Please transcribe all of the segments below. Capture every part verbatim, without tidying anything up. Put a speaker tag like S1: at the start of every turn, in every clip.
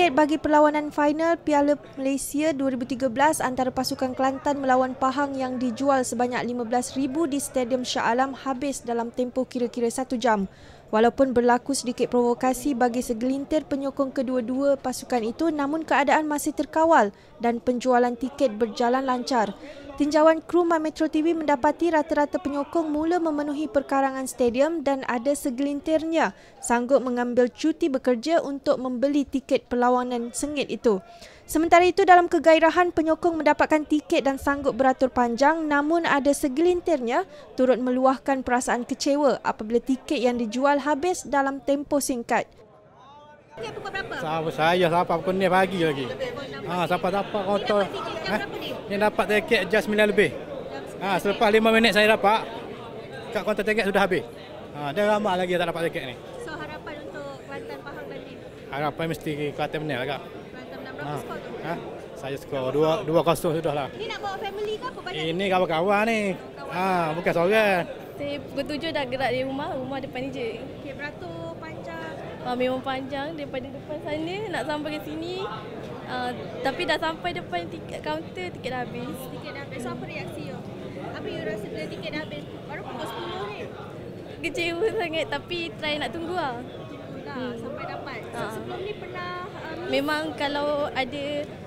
S1: tiket bagi perlawanan final Piala Malaysia dua ribu tiga belas antara pasukan Kelantan melawan Pahang yang dijual sebanyak lima belas ribu di Stadium Shah Alam habis dalam tempoh kira-kira satu jam. Walaupun berlaku sedikit provokasi bagi segelintir penyokong kedua-dua pasukan itu, namun keadaan masih terkawal dan penjualan tiket berjalan lancar. Tinjauan kru My Metro T V mendapati rata-rata penyokong mula memenuhi perkarangan stadium dan ada segelintirnya sanggup mengambil cuti bekerja untuk membeli tiket perlawanan sengit itu. Sementara itu, dalam kegairahan penyokong mendapatkan tiket dan sanggup beratur panjang, namun ada segelintirnya turut meluahkan perasaan kecewa apabila tiket yang dijual habis dalam tempoh singkat.
S2: Tiket pukul berapa?
S3: Sama saya siapa pukul ni pagi lagi. Ha, siapa dapat kotor.
S2: Eh?
S3: Ni dapat tiket jam sembilan lebih. Ha, selepas lima minit saya dapat. Kat kaunter tiket sudah habis. Ha, dia ramai lagi tak dapat tiket ni.
S2: So harapan untuk Kelantan Pahang nanti?
S3: Harapan mesti Kelantan menang agak.
S2: Kelantan menang berapa skor tu?
S3: Ha, saya skor dua dua kosong sudah lah.
S2: Ini nak bawa family ke apa banyak?
S3: Ini kawan-kawan ni. Ha, bukan seorang.
S4: Saya pukul tujuh dah gerak dari rumah, rumah depan ni je.
S2: Okey, beratur panjang.
S4: Uh, memang panjang daripada depan sana nak sampai ke sini. Uh, tapi dah sampai depan tiket kaunter, tiket dah habis.
S2: Tiket dah habis. So apa reaksi you? Apa you rasa bila tiket dah habis? Baru pukul sepuluh ni.
S4: Kecewa sangat tapi try nak tunggu lah.
S2: Tunggulah hmm. sampai dapat. So
S4: Uh.
S2: sebelum ni pernah um,
S4: Memang kalau ada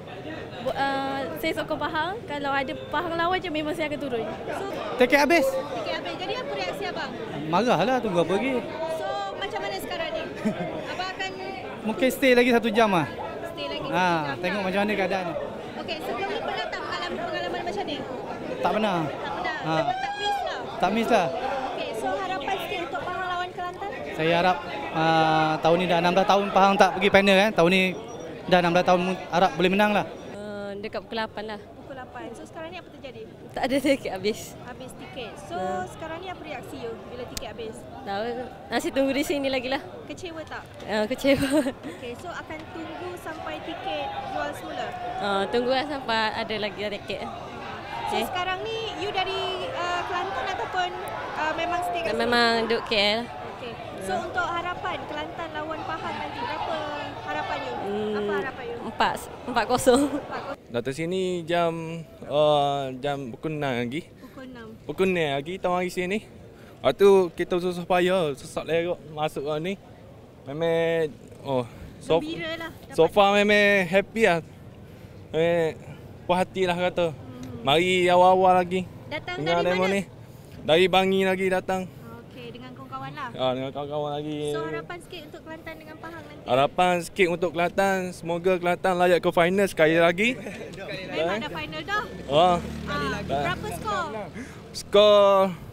S4: uh, saya sokong Pahang, kalau ada Pahang lawan je memang saya akan turun.
S2: So
S3: Tiket habis.
S2: tiket habis. Jadi apa reaksi abang?
S3: Marahlah, tunggu apa lagi.
S2: So macam mana sekarang ni? Abang akan
S3: Mungkin stay lagi satu jam ah.
S2: stay lagi
S3: Ha,
S2: satu jam
S3: tengok
S2: lah.
S3: macam mana keadaan ni.
S2: Okey, sebelum ni pernah tak mengalami pengalaman macam ni?
S3: Tak pernah.
S2: Tak pernah.
S3: Ha.
S2: Memang tak miss lah.
S3: Tak miss lah.
S2: Okey, so harapan sikit untuk Pahang lawan Kelantan?
S3: Saya harap uh, tahun ni dah enam belas tahun Pahang tak pergi final kan. Tahun ni dah enam belas tahun harap boleh menang lah.
S4: Uh, dekat pukul lapan lah.
S2: Pukul lapan. So sekarang ni apa terjadi?
S4: Tak ada tiket habis.
S2: Habis tiket. So sekarang ni apa reaksi you bila tiket habis?
S4: Tahu, masih tunggu di sini lagi lah.
S2: Kecewa tak?
S4: Uh, kecewa.
S2: Okey, so akan tunggu sampai tiket jual semula?
S4: Uh, tunggulah sampai ada lagi tiket.
S2: So
S4: Okay.
S2: sekarang ni you dari uh, Kelantan ataupun uh, memang stay kat sini?
S4: Memang duduk K L.
S2: Okey. So untuk harapan Kelantan lawan Pahang nanti, berapa harapan you?
S4: Hmm,
S2: Apa harapan you?
S4: Empat, empat kosong.
S2: Empat
S5: Datang sini jam uh, jam pukul enam lagi.
S2: pukul enam.
S5: Pukul enam lagi tahu hari sini. Lepas tu kita susah payah, susah lerok masuk ke ni. Memang oh so,
S2: Gembira lah. dapat
S5: so far memang happy lah. Memang puas hati lah kata.
S2: Hmm.
S5: Mari awal-awal lagi.
S2: Datang
S5: Dengar
S2: dari
S5: demo
S2: mana?
S5: ni. Dari Bangi lagi datang.
S2: Okey, dengan kawan-kawan lah.
S5: Ah, dengan kawan-kawan lagi.
S2: So harapan sikit untuk Kelantan dengan Pahang nanti.
S5: Harapan sikit untuk Kelantan, semoga Kelantan layak ke final sekali lagi.
S2: Memang dah final dah.
S5: Oh,
S2: Ah, berapa skor?
S5: skor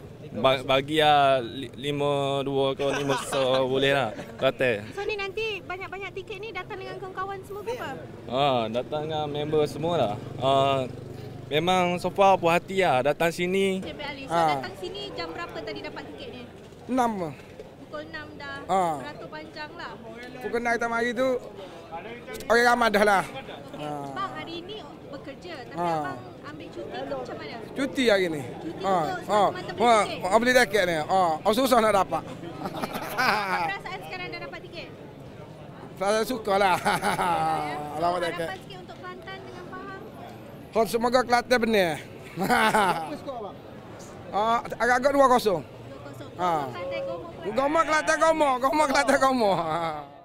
S5: ba- bagi lah lima dua ke lima so boleh lah kata.
S2: So ni nanti banyak-banyak tiket ni datang dengan kawan-kawan semua ke apa?
S5: Ah, datang dengan member semua lah. Ah, memang so far puas hati lah datang sini.
S2: Cik Ali, so
S6: Ah.
S2: datang sini jam berapa tadi dapat tiket ni?
S6: Enam.
S2: Pukul enam dah.
S6: Ah.
S2: Beratur panjang lah.
S6: Pukul enam kita mari tu orang ramai dah lah.
S2: Okey,
S6: Ah.
S2: bang hari ni bekerja tapi
S6: Ah.
S2: abang ambil cuti ke macam mana?
S6: Cuti hari ni.
S2: Cuti
S6: Ha.
S2: untuk
S6: Ha.
S2: semata-mata beli
S6: Ha,
S2: tiket?
S6: ha, beli tiket ni. Ha. Oh, susah nak dapat.
S2: Apa perasaan sekarang dah dapat tiket?
S6: Saya suka lah.
S2: So,
S6: Lawat tiket.
S2: harapan sikit untuk Kelantan dengan Pahang.
S6: Oh, semoga Kelantan benar. Ah, agak-agak dua kosong.
S2: dua kosong.
S6: Ah.
S2: Kelantan Gomo.
S6: Gomo Kelantan Gomo. Gomo Kelantan Gomo. Ha.